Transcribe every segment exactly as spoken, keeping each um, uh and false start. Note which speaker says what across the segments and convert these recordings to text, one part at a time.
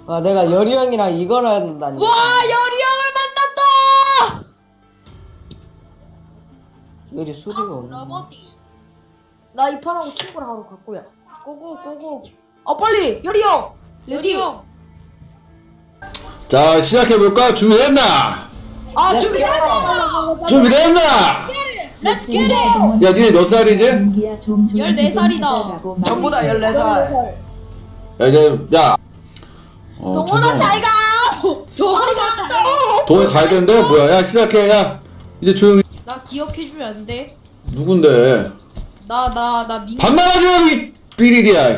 Speaker 1: 아, 내가 여리 형이랑 이걸 한다니.
Speaker 2: 와, 여리 형을 만났다.
Speaker 1: 여리 소리가 없네.
Speaker 2: 러버디.
Speaker 3: 나 이 판하고 친구랑 하러 갈 거야.
Speaker 2: 고고 고고.
Speaker 3: 아 빨리 여리 형.
Speaker 2: 여리 형.
Speaker 4: 자, 시작해볼까? 준비됐나?
Speaker 3: 아
Speaker 1: 네.
Speaker 3: 준비됐다.
Speaker 4: 준비됐나?
Speaker 2: Let's get it.
Speaker 4: 야, 니네 몇 살이지?
Speaker 2: 열네 살이다.
Speaker 1: 전부 다 열네 살.
Speaker 4: 야, 이제, 야. 어,
Speaker 3: 동원아
Speaker 4: 잠깐만.
Speaker 3: 잘 가.
Speaker 2: 동원아 잘 가.
Speaker 4: 동해 가야 되는데? 뭐야? 야, 시작해. 야, 이제 조용히.
Speaker 2: 나 기억해주면 안 돼?
Speaker 4: 누군데?
Speaker 2: 나 나 나 민.
Speaker 4: 반말하지 마, 이 삐리리야.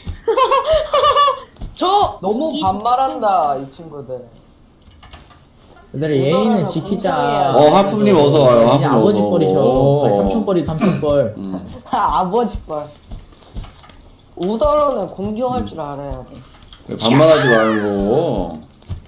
Speaker 2: 저
Speaker 1: 너무
Speaker 2: 이-
Speaker 1: 반말한다, 이 친구들.
Speaker 5: 얘들아 예의는 지키자.
Speaker 4: 어, 하품님 어서 와요.
Speaker 5: 아니,
Speaker 4: 하품님
Speaker 5: 아버지
Speaker 4: 어서.
Speaker 5: 뻘이셔.
Speaker 4: 오.
Speaker 5: 아니, 삼촌뻘이 삼촌뻘.
Speaker 4: 음.
Speaker 1: 아버지 뻘. 우더러는 공경할 줄 알아야 돼.
Speaker 4: 그래, 반말하지 말고.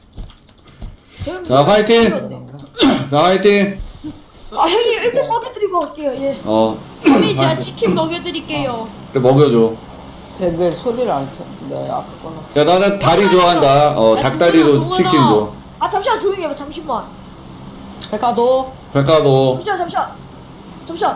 Speaker 4: 자, 화이팅! 자, 화이팅!
Speaker 3: 아 형님 일 등 먹여드리고 갈게요. 예.
Speaker 4: 어,
Speaker 2: 형님 제가 치킨 먹여드릴게요.
Speaker 4: 그래, 먹여줘.
Speaker 1: 왜 소리를 안 켜? 네, 아까 거는.
Speaker 4: 야, 나는 다리 좋아한다. 어,
Speaker 2: 야,
Speaker 4: 닭다리로
Speaker 2: 동훈아,
Speaker 4: 치킨
Speaker 2: 동훈아.
Speaker 4: 줘.
Speaker 3: 아 잠시만 조용히 해봐. 잠시만.
Speaker 1: 백화도,
Speaker 4: 백가도.
Speaker 3: 잠시만 잠시만. 잠시만.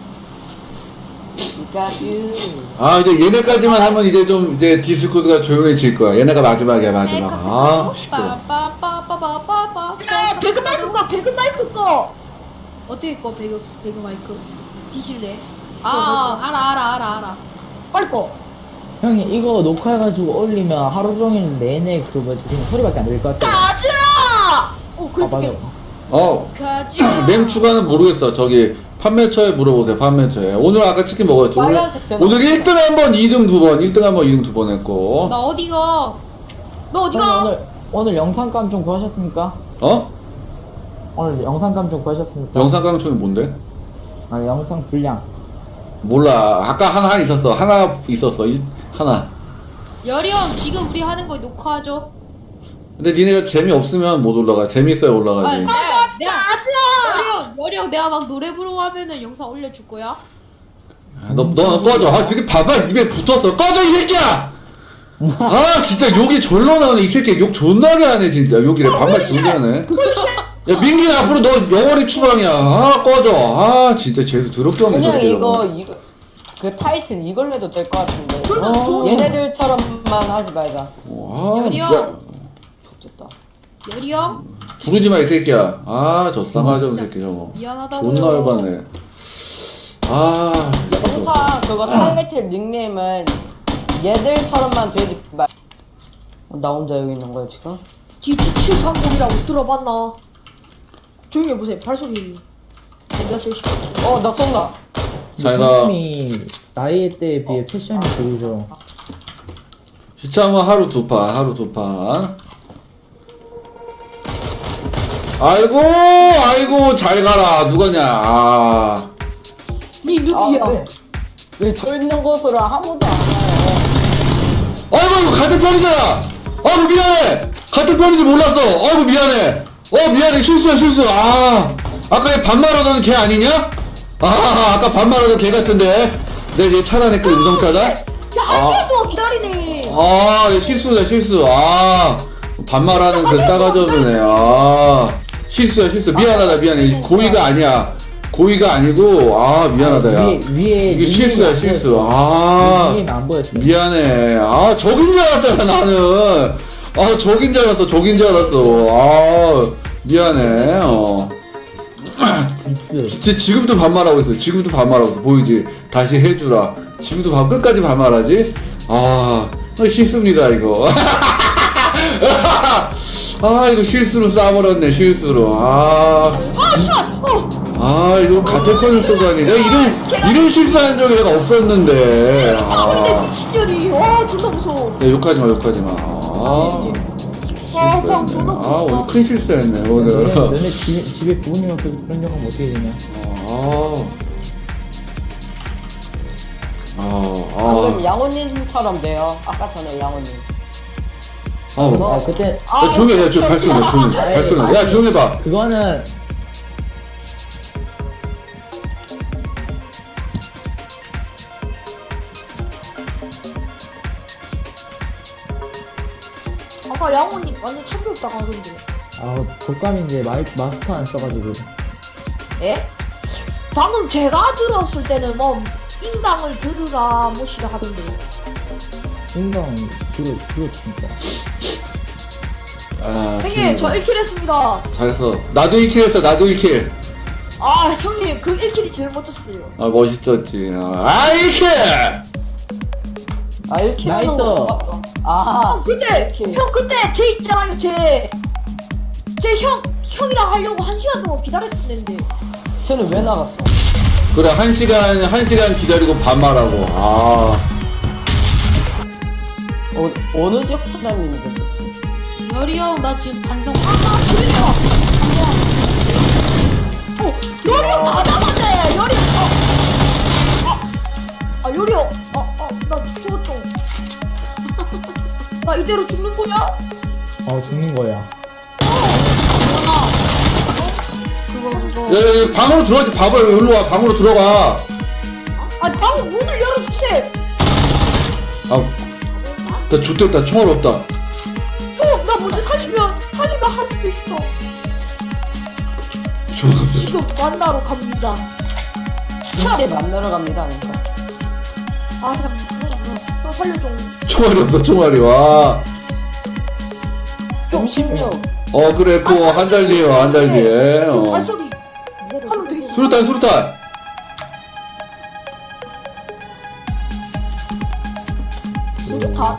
Speaker 1: 이까뷰.
Speaker 4: 아, 이제 얘네까지만 하면 이제 좀 이제 디스코드가 조용해질 거야. 얘네가 마지막이야, 마지막. 아, 시끄러.
Speaker 2: 빠빠빠빠빠빠빠.
Speaker 3: 야 배그 마이크 꺼. 배그 마이크 꺼.
Speaker 2: 어떻게 꺼 배그 배그 마이크? 뒤질래? 아 알아 알아 알아 알아.
Speaker 3: 빨리 꺼.
Speaker 5: 형이 이거 녹화해가지고 올리면 하루 종일 내내 그 뭐지 그냥 소리밖에 안 들릴 것 같아.
Speaker 3: 가자. 어
Speaker 5: 아
Speaker 3: 그래
Speaker 5: 맞아.
Speaker 3: 듣게.
Speaker 4: 어,
Speaker 2: 가자.
Speaker 4: 램 추가는 모르겠어. 저기 판매처에 물어보세요. 판매처에. 오늘 아까 치킨 먹었죠. 오늘,
Speaker 1: 빨간색 제목.
Speaker 4: 오늘 일 등 한 번, 이 등 두 번, 일 등 한 번, 이 등 두 번 했고.
Speaker 2: 나 어디가?
Speaker 3: 너
Speaker 5: 형님
Speaker 3: 어디가?
Speaker 5: 오늘 오늘 영상감 좀 구하셨습니까?
Speaker 4: 어?
Speaker 5: 오늘 영상감 좀 구하셨습니까?
Speaker 4: 영상 강촌이 뭔데?
Speaker 5: 아 영상 분량.
Speaker 4: 몰라. 아까 하나 있었어. 하나 있었어. 이, 하나.
Speaker 2: 여리 형 지금 우리 하는 거 녹화하죠?
Speaker 4: 근데 니네가 재미없으면 못 올라가. 재밌어야
Speaker 2: 아,
Speaker 4: 올라가지.
Speaker 2: 내가 내가
Speaker 3: 가자.
Speaker 2: 여리 형 여리 형 내가 막 노래 부르고 하면은 영상 올려줄 거야?
Speaker 4: 아, 너, 너, 너 꺼져. 아, 지금 봐봐. 입에 붙었어. 꺼져, 이 새끼야! 아, 진짜 욕이 절로 나오네. 이 새끼 욕 존나게 하네, 진짜. 욕이래. 반말 존나네. 야, 민기는 앞으로 너 영원히 추방이야. 아, 꺼져. 아, 진짜 재수 더럽게 없네,
Speaker 1: 그냥
Speaker 4: 저렇게
Speaker 1: 이거,
Speaker 4: 이러고.
Speaker 1: 이거, 그 타이틀 이걸로 해도 될 것 같은데.
Speaker 3: 그러면
Speaker 1: 어,
Speaker 3: 좋은-
Speaker 1: 얘네들처럼만 하지 말자.
Speaker 4: 아,
Speaker 2: 여리
Speaker 4: 야,
Speaker 2: 형
Speaker 1: 좋겠다.
Speaker 2: 여리 형
Speaker 4: 부르지 마, 이 새끼야. 아, 저 싸가지 없는 새끼 저거.
Speaker 2: 미안하다고요.
Speaker 4: 존나 열받네. 아,
Speaker 1: 항상 그거 타이틀 닉네임은 얘들처럼만 되지 말. 어, 나 혼자 여기 있는 거야, 지금?
Speaker 3: 지티 칠삼공이라고 들어봤나? 조용히 해보세요. 발소리. 몇 시씩.
Speaker 1: 어, 나 쏜다.
Speaker 4: 자기가
Speaker 5: 형님이 나이 때에 비해 패션이 보이죠.
Speaker 4: 시참은 하루 두 판, 하루 두 판. 아이고, 아이고, 잘 가라. 누가냐? 아,
Speaker 3: 니
Speaker 1: 아,
Speaker 3: 누구야?
Speaker 1: 왜? 왜 저 있는 곳으로 아무도 안 와요?
Speaker 4: 아이고, 이거 같은 편이잖아. 아이고, 미안해. 같은 편인지 몰랐어. 아이고, 미안해. 어, 미안해. 실수야, 실수. 아, 아까 얘 반말하던 걔 아니냐? 아, 아까 반말하던 걔 같은데. 내가 얘 차단했거든, 음성 차단.
Speaker 3: 야, 한 시간 동안 기다리네.
Speaker 4: 아, 얘 실수다, 실수. 아, 반말하는 그 싸가지 없는 애. 아, 실수야, 실수. 미안하다, 미안해. 고의가 아니야. 고의가 아니고, 아, 미안하다, 야.
Speaker 5: 위에 위에
Speaker 4: 이게 실수야,
Speaker 5: 닉네임이 안
Speaker 4: 실수.
Speaker 5: 보였어.
Speaker 4: 아,
Speaker 5: 닉네임이 안 보였어.
Speaker 4: 미안해. 아, 적인 줄 알았잖아, 나는. 아, 적인 줄 알았어, 적인 줄 알았어. 아, 미안해. 어.
Speaker 5: 디스.
Speaker 4: 진짜 지금도 반말하고 있어. 지금도 반말하고 있어. 보이지? 다시 해주라. 지금도 반 끝까지 반말하지? 아, 어, 실수입니다, 이거. 아, 이거 실수로 싸버렸네, 실수로. 아.
Speaker 3: 아, 씨발. 어.
Speaker 4: 아, 이거 같은 편을 쏘다니. 내가 이런, 이런 실수한 적이 내가 없었는데.
Speaker 3: 아, 근데
Speaker 4: 아.
Speaker 3: 미친년이. 와, 존나 무서워.
Speaker 4: 야, 욕하지 마, 욕하지 마. 아.
Speaker 3: 아, 그냥
Speaker 4: 실수했네.
Speaker 3: 존나
Speaker 4: 아,
Speaker 3: 무서워.
Speaker 4: 오늘 큰 실수했네,
Speaker 5: 너네,
Speaker 4: 오늘.
Speaker 5: 너네 집에, 집에 부모님 없어서 그런 경험 어떻게 되냐?
Speaker 4: 아. 아,
Speaker 1: 방금
Speaker 4: 아.
Speaker 1: 양호님처럼 돼요. 아까 전에 양호님.
Speaker 4: 아,
Speaker 5: 아 그때
Speaker 4: 야, 조용히 해, 야, 조용히 발끈 해, 조용히 해, 발끈 해. 야, 조용히 해봐.
Speaker 5: 그거는
Speaker 3: 아까 양호님 완전 참교육당 하던데.
Speaker 5: 아 독감인데 마이 마스크 안 써가지고.
Speaker 3: 예? 방금 제가 들었을 때는 뭐 인강을 들으라 뭐시라 하던데.
Speaker 5: 인강 들어 들었으니까.
Speaker 4: 아,
Speaker 3: 형님 저 일 킬 했습니다.
Speaker 4: 잘했어. 나도 일 킬 했어. 나도 일 킬.
Speaker 3: 아 형님 그 일 킬이 제일 멋졌어요.
Speaker 4: 아 멋있었지. 아 일 킬.
Speaker 1: 아 이렇게 하는 거
Speaker 5: 나이스.
Speaker 1: 봤어. 아
Speaker 3: 형 그때
Speaker 1: 이렇게.
Speaker 3: 형 그때 제 있잖아요 제. 제 형 형이랑 하려고 한 시간 동안 기다렸는데.
Speaker 1: 쟤는 왜 나갔어?
Speaker 4: 그래 한 시간 한 시간 기다리고 반말하고. 아
Speaker 1: 어, 어느 지역 사람인데 그치?
Speaker 2: 열이 형 나 지금 반성.
Speaker 3: 아 그러니까. 어 요리 형다 잡았네 요리 형. 어. 아, 아 요리 형. 아아나 죽었죠. 나 이대로 죽는 거냐?
Speaker 5: 어 죽는 거야.
Speaker 2: 전화. 그거 그거.
Speaker 4: 야, 야, 야, 방으로 들어가지. 바보 여기로 와. 방으로 들어가.
Speaker 3: 아 방금 문을 열어주세요.
Speaker 4: 아나 좋댔다. 총알 없다.
Speaker 3: 형, 나 먼저 살리면 살리면 할 수도 있어.
Speaker 4: 총알 없다.
Speaker 3: 지금 만나러 갑니다.
Speaker 1: 이때 만나러 갑니다. 그러니까.
Speaker 3: 아, 그냥 형 살려줘.
Speaker 4: 총알이 없어. 총알이 와.
Speaker 1: 점심요.
Speaker 4: 어 그래 또 한 달 뒤에 와. 한 달 뒤에.
Speaker 3: 저
Speaker 4: 어.
Speaker 3: 발소리 하면 돼 있어.
Speaker 4: 수류탄 수류탄.
Speaker 3: 수류탄.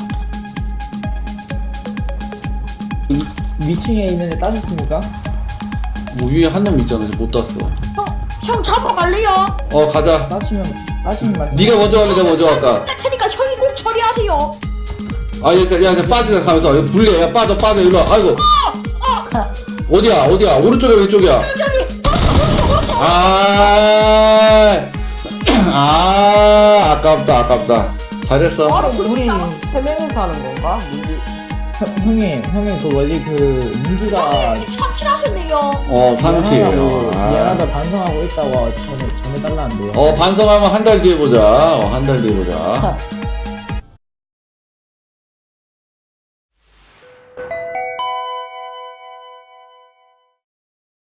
Speaker 5: 위층에 있는데 따셨습니까?
Speaker 4: 뭐 위에 한 놈 있잖아. 지금 못 땄어.
Speaker 3: 형, 형 잡아갈래요?
Speaker 4: 어 가자.
Speaker 5: 따시면 따시면 말.
Speaker 4: 네가 먼저 갈래. 내가 먼저 갈까?
Speaker 3: 할 테니까 형이 꼭 처리하세요.
Speaker 4: 아, 야, 야, 야, 빠지자, 가면서. 야, 불리해. 야, 빠져, 빠져, 일로 와. 아이고. 어디야, 어디야? 오른쪽이야, 왼쪽이야?
Speaker 3: 여기
Speaker 4: 아, 아, 아깝다, 아깝다. 잘했어.
Speaker 1: 아, 우리 세 명이서 하는 건가? 민기.
Speaker 5: 형, 형님 형님 그 뭐지 그 민기가
Speaker 3: 삼킬 하셨네요.
Speaker 4: 어, 삼 킬.
Speaker 5: 미안하다고
Speaker 4: 아.
Speaker 5: 미안하다 반성하고 있다고 전해 전해달라는데요.
Speaker 4: 어, 반성하면 한 달 뒤에 보자. 어, 한 달 뒤에 보자.